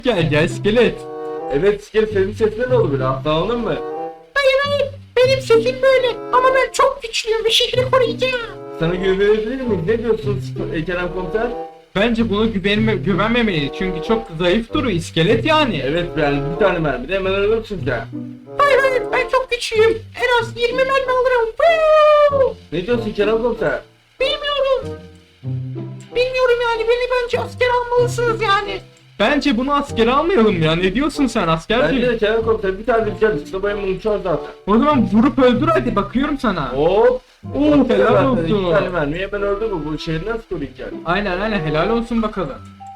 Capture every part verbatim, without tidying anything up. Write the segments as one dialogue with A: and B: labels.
A: Gel gel iskelet.
B: Evet iskelet, senin sesin ne oldu böyle? Atlanalım mı?
C: Hayır hayır, benim sesim böyle ama ben çok güçlüyüm ve şehri koruyacağım.
B: Sana güvenebilir miyiz? Ne diyorsun e, Kerem Komiser?
A: Bence buna güvenme, güvenmemeliyiz çünkü çok zayıf duruyor iskelet yani.
B: Evet yani bir tane mermi de hemen ölürsün sen.
C: Hayır hayır, ben çok güçlüyüm. En az yirmi mermi alırım. Woo!
B: Ne diyorsun Kerem Komiser?
C: Bilmiyorum. Bilmiyorum yani, beni bence asker almalısınız yani.
A: Bence bunu askere almayalım ya. Ne diyorsun sen askerci?
B: Bence de Kerem Komiser bir tane rüzgar çıktı, bayım uçar zaten.
A: O zaman vurup öldür hadi, bakıyorum sana.
B: Hop.
A: Oo, helal
B: Zaten
A: olsun.
B: İki tane mermiye ben öldüm mü? Bu şehri nasıl koruyacak?
A: Aynen aynen, helal olsun bakalım.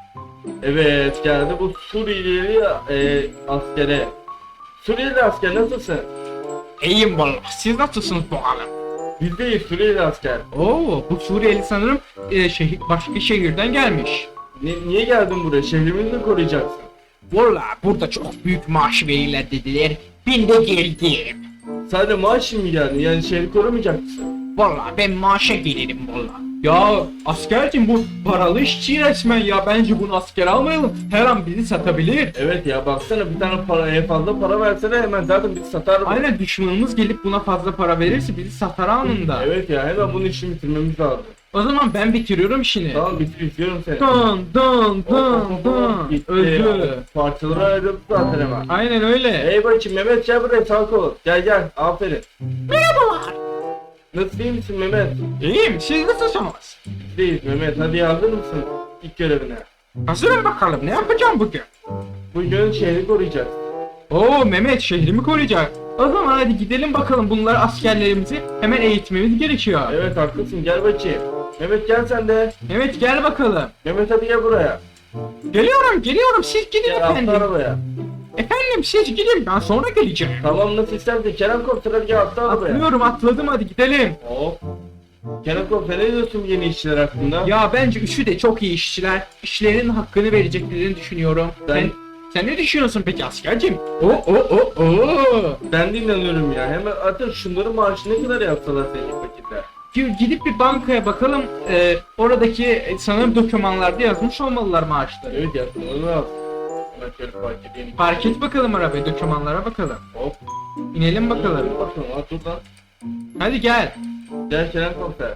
B: Evet geldi bu Suriyeli e, askere. Suriyeli asker nasılsın?
A: İyiyim valla. Siz nasılsınız bakalım?
B: Bizdeyiz Suriyeli asker.
A: Oo, bu Suriyeli sanırım e, şehir, başka şehirden gelmiş.
B: Ni- niye geldin buraya? Şehrimizi mi koruyacaksın?
C: Valla burada çok büyük maaş verirler dediler. Ben de geldim.
B: Sadece maaş mı geldin? Yani şehri korumayacak mısın?
C: Valla ben maaşa gelirim valla.
A: Ya askercim, bu paralı işçi resmen ya. Bence bunu askere almayalım. Her an bizi satabilir.
B: Evet ya baksana, bir tane paraya fazla para versene hemen zaten bizi satar mı?
A: Aynen, düşmanımız gelip buna fazla para verirse bizi satar anında.
B: Evet ya hemen bunun işini bitirmemiz lazım.
A: O zaman ben bitiriyorum işini.
B: Tamam bitir, istiyorum seni.
A: Dın dın
B: Hop,
A: dın
B: hop, hop,
A: dın.
B: bitti.
A: Öldü.
B: Parçalara ayrıldı zaten hemen.
A: Aynen öyle.
B: Ey bakayım Mehmet, gel buraya, sağ ol. Gel gel, aferin.
C: Merhabalar.
B: Nasıl, iyi misin Mehmet?
A: İyiyim, siz nasılsınız?
B: Değil Mehmet, hadi hazır mısın ilk görevine?
A: Hazırım bakalım, ne yapacağım bugün?
B: Bugün şehri koruyacağız.
A: Oo, Mehmet şehrimi koruyacak. O zaman hadi gidelim bakalım, bunlar askerlerimizi hemen eğitmemiz gerekiyor.
B: Evet haklısın, gel bakayım. Mehmet gel sen de.
A: Mehmet gel bakalım.
B: Mehmet hadi gel buraya.
A: Geliyorum geliyorum, siz gidin
B: Gel atla
A: efendim.
B: arabaya.
A: Efendim siz gidin, ben sonra geleceğim.
B: Tamam nasıl istersen Kerem Komiser, hadi gel atla arabaya.
A: Atlıyorum, atladım, hadi gidelim.
B: Hop. Kerem Komiser, ne diyorsun bu yeni işçiler hakkında?
A: Ya bence üçü de çok iyi işçiler. İşlerinin hakkını vereceklerini düşünüyorum.
B: Ben-
A: Sen sen ne düşünüyorsun peki askercim? O o o o.
B: Ben de inanıyorum ya. Hemen artık şunların maaşı ne kadar yapsalar senin paketle.
A: Gi- Gidip bir bankaya bakalım. Ee, oradaki e, sanırım dokümanlarda yazmış olmalılar maaşları.
B: Evet ya, onu al. Hemen şöyle fark edeyim.
A: Park et bakalım arabayı, dokümanlara bakalım.
B: Hop.
A: İnelim bakalım.
B: Dur bakalım, at dur lan.
A: Hadi gel.
B: Gel Kerem Komiser.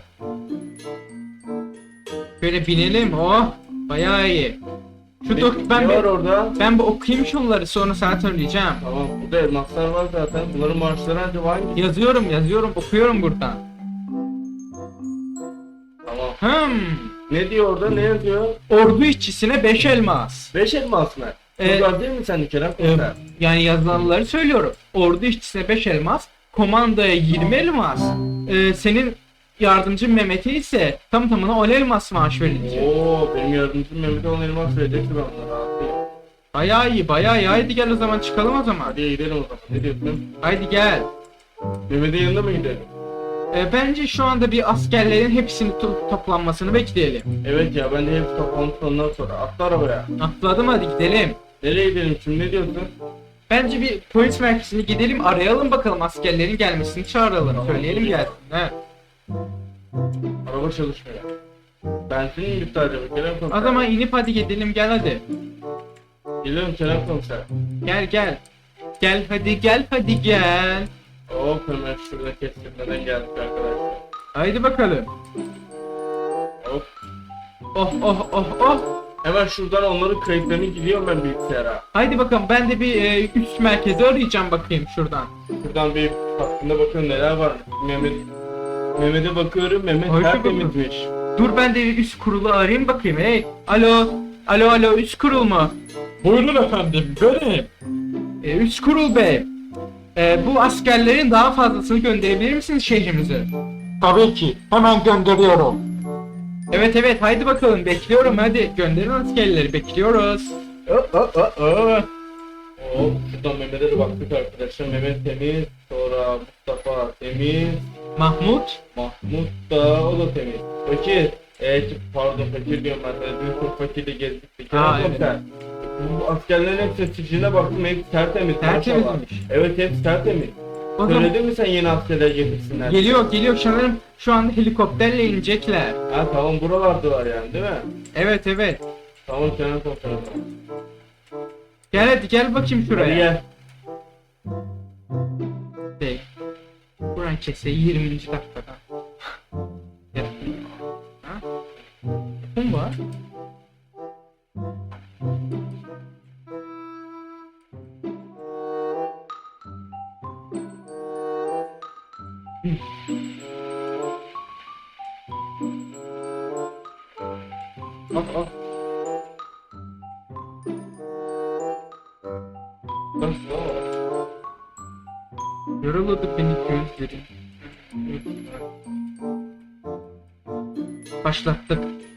A: Böyle binelim. Oh, bayağı iyi. Şu
B: Ne-
A: dok ben
B: ne var
A: bir,
B: orada?
A: ben bir okuyayım şunları, sonra sana söyleyeceğim.
B: Tamam, burada elmaslar var zaten. Bunların maaşları acaba hangi?
A: Yazıyorum yazıyorum, okuyorum buradan.
B: Tamam.
A: Hmm.
B: Ne diyor orada? Ne yazıyor?
A: Ordu işçisine beş elmas.
B: Beş elmas mı?
A: Ee,
B: Çok az değil mi sen de Kerem
A: Ee,
B: Komiser?
A: yani yazılanları söylüyorum. Ordu işçisine beş elmas, komandaya yirmi elmas. Ee, senin yardımcın Mehmet'e ise tam tamına on elmas maaş verilecek.
B: Oo, benim yardımcım Mehmet'e on elmas verecekti, ben ona rahatlayayım.
A: Bayağı iyi, bayağı iyi. Haydi gel o zaman, çıkalım o zaman.
B: Hadi gidelim o zaman. Ne diyorsun?
A: Haydi gel.
B: Mehmet'in yanına mı gidelim?
A: Ee, bence şu anda bir askerlerin hepsini to- toplanmasını bekleyelim.
B: Evet ya, ben de hepsi toplantıp ondan sonra atla arabaya.
A: Atladım, hadi gidelim.
B: Nereye gidelim şimdi, ne diyorsun?
A: Bence bir polis merkezine gidelim, arayalım bakalım, askerlerin gelmesini çağıralım.
B: Tamam.
A: Söyleyelim gelsin. He.
B: Araba çalışmıyor. Benzin mi bitti acaba Kerem Komiser?
A: O zaman inip hadi gidelim, gel hadi.
B: Gidelim Kerem Komiser.
A: Gel gel. Gel hadi gel hadi gel.
B: Hop, hemen şurada kestirmeden geldik arkadaşlar.
A: Haydi bakalım.
B: Hop.
A: Oh oh oh oh.
B: Hemen şuradan onların kayıtlarını gidiyorum ben bilgisayara.
A: Haydi bakalım, ben de bir e, üst merkezi arayacağım bakayım şuradan.
B: Şuradan bir hakkında bakıyorum neler var. Mehmet Mehmet'e bakıyorum, Mehmet
A: Haydi
B: tertemizmiş.
A: Dur ben de bir üst kurulu arayayım bakayım. Hey. Alo. Alo alo, üst kurul mu?
D: Buyurun efendim, benim.
A: E, üst kurul bey. E, bu askerlerin daha fazlasını gönderebilir misiniz şehrimize?
D: Tabii ki, hemen gönderiyorum.
A: Evet evet, haydi bakalım, bekliyorum, hadi gönderin askerleri, bekliyoruz. Oh, oh, oh, oh.
B: Hop, şuradan Mehmet'e de baktık arkadaşlar. Mehmet temiz, sonra Mustafa temiz,
A: Mahmut.
B: Mahmut da o da temiz. Fakir, evet pardon fakir diyorum ben sana, dün çok fakirle gezdik.
A: Aa,
B: Kerem Komiser, bu askerlerin hepsi sicine baktım, hepsi tertemiz.
A: Tertemizmiş.
B: maşallah. Evet hepsi tertemiz.
A: O zaman
B: Söyledin mi sen yeni askerler getirsinler?
A: geliyor geliyor, sanırım şu anda helikopterle inecekler.
B: Ha tamam, buralardalar yani değil mi?
A: Evet evet.
B: Tamam Kerem Komiser.
A: Gel hadi gel bakayım
B: Hadi
A: şuraya.
B: gel.
A: Bey. Buran kese yirminci dakikada. Gel. Ha? Kim var?
B: Al al. Bak, al.
A: Yoruladı beni gözlerim. Başlattık.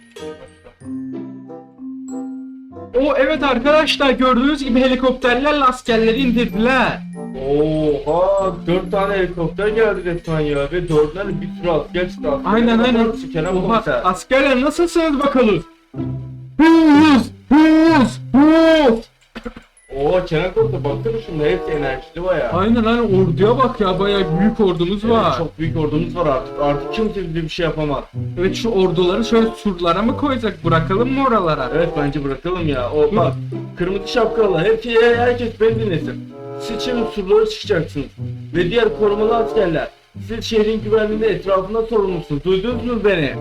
A: O evet arkadaşlar, gördüğünüz gibi helikopterlerle askerleri indirdiler.
B: Oha, dört tane helikopter geldi resmen ya ve dördünden de bir sürü asker çıktı. Askerler
A: Aynen
B: bakar
A: aynen.
B: mısın Kerem
A: Oha,
B: komiser?
A: askerler nasılsınız bakalım? Hız! Hız! Hız!
B: Oo Kerem komiser baksana şunda, hepsi enerjili bayağı.
A: Aynen aynen, orduya bak ya, bayağı büyük ordumuz
B: Evet,
A: var.
B: çok büyük ordumuz var artık. Artık kimse bize bir şey yapamaz.
A: Evet, şu orduları şöyle surlara mı koyacak, bırakalım mı oralara?
B: Evet bence bırakalım ya. O bak, kırmızı şapkalılar hepsi, herkes beni dinlesin. Siz şimdi surlara çıkacaksınız. Ve diğer korumalı askerler, siz şehrin güvenliğinde etrafında sorumlusunuz. Duydunuz mu beni?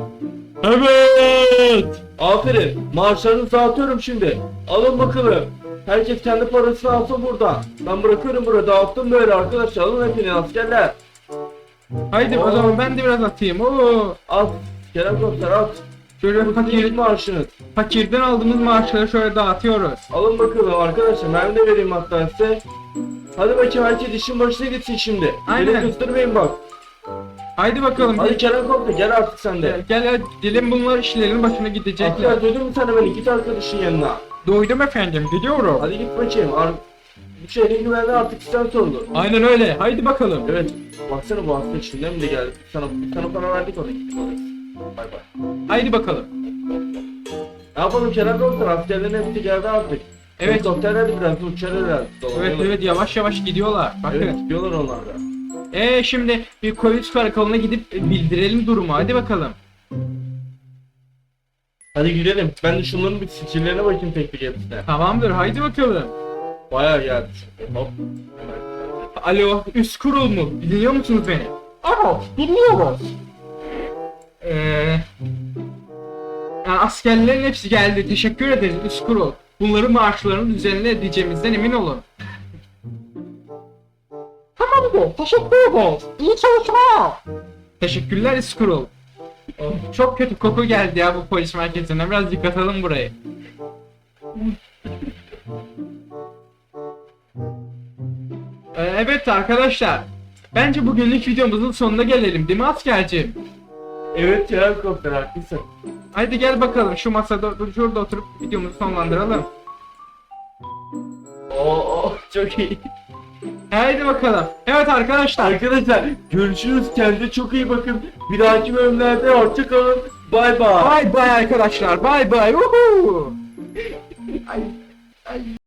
D: Evet.
B: Aferin. Maaşlarınızı dağıtıyorum şimdi. Alın bakalım. Herkes kendi parasını alsın burada. Ben bırakıyorum burada. Dağıttım böyle arkadaşlar. Alın hepiniz askerler.
A: Haydi o
B: Oo.
A: zaman ben de biraz atayım. Oo.
B: At. Kerem komiser at.
A: Şöyle
B: Bu
A: fakir,
B: fakir maaşınız.
A: fakirden aldığımız maaşları şöyle dağıtıyoruz.
B: Alın bakalım arkadaşlar. Ben de vereyim hatta size. Hadi bakayım, herkes işin başına gitsin şimdi.
A: Aynen.
B: Beni kıstırmayın bak.
A: Haydi bakalım.
B: Hadi Kerem komiser gel artık sen de.
A: Gel gel, gidelim, bunlar işlerin başına gidecekler.
B: Asker duydun mu sen de beni? Git arkadaşın yanına.
A: Duydum efendim, gidiyorum.
B: Hadi git bakayım. Ar bu şehrin güvenliği artık sizden sorulur.
A: Aynen öyle, haydi bakalım.
B: Evet. Baksana bu hasta içinden mi de geldik? Sana, sana para verdik ona, gittik oraya. Bay bay.
A: Haydi bakalım.
B: Ne yapalım Kerem komiser? Askerlerin hepsi geldi artık.
A: Evet.
B: Helikopterler de biraz uçarlar herhalde.
A: Evet evet, yavaş yavaş gidiyorlar. Bakın.
B: Evet gidiyorlar onlar da.
A: Ee şimdi bir polis karakoluna gidip bildirelim durumu. Hadi bakalım.
B: Hadi gidelim. Ben de şunların bir sicillerine bakayım tek tek hepsine.
A: Tamamdır, haydi bakalım.
B: Bayağı geldi çünkü. Hop.
A: Alo, üst kurul mu? Dinliyor musunuz beni?
C: Evet, dinliyoruz.
A: Ee, yani askerlerin hepsi geldi. Teşekkür ederiz üst kurul. Bunların maaşlarını düzenli edeceğimizden emin olun.
C: Tamamdır, teşekkür ederiz. İyi çalışmalar.
A: Teşekkürler üst kurul. Oh, çok kötü koku geldi ya bu polis merkezine. Biraz yıkatalım burayı. Ee, evet arkadaşlar. Bence bugünlük videomuzun sonuna gelelim, değil mi askerciğim?
B: Evet Kerem komiser haklısın.
A: Haydi gel bakalım, şu masada şurada oturup videomuzu sonlandıralım.
B: Oo çok iyi.
A: Haydi bakalım. Evet arkadaşlar.
B: Arkadaşlar görüşürüz. Kendinize çok iyi bakın. Bir dahaki bölümlerde hoşça kalın. Bay bay.
A: Bay bay arkadaşlar. Bay bay. Woohoo.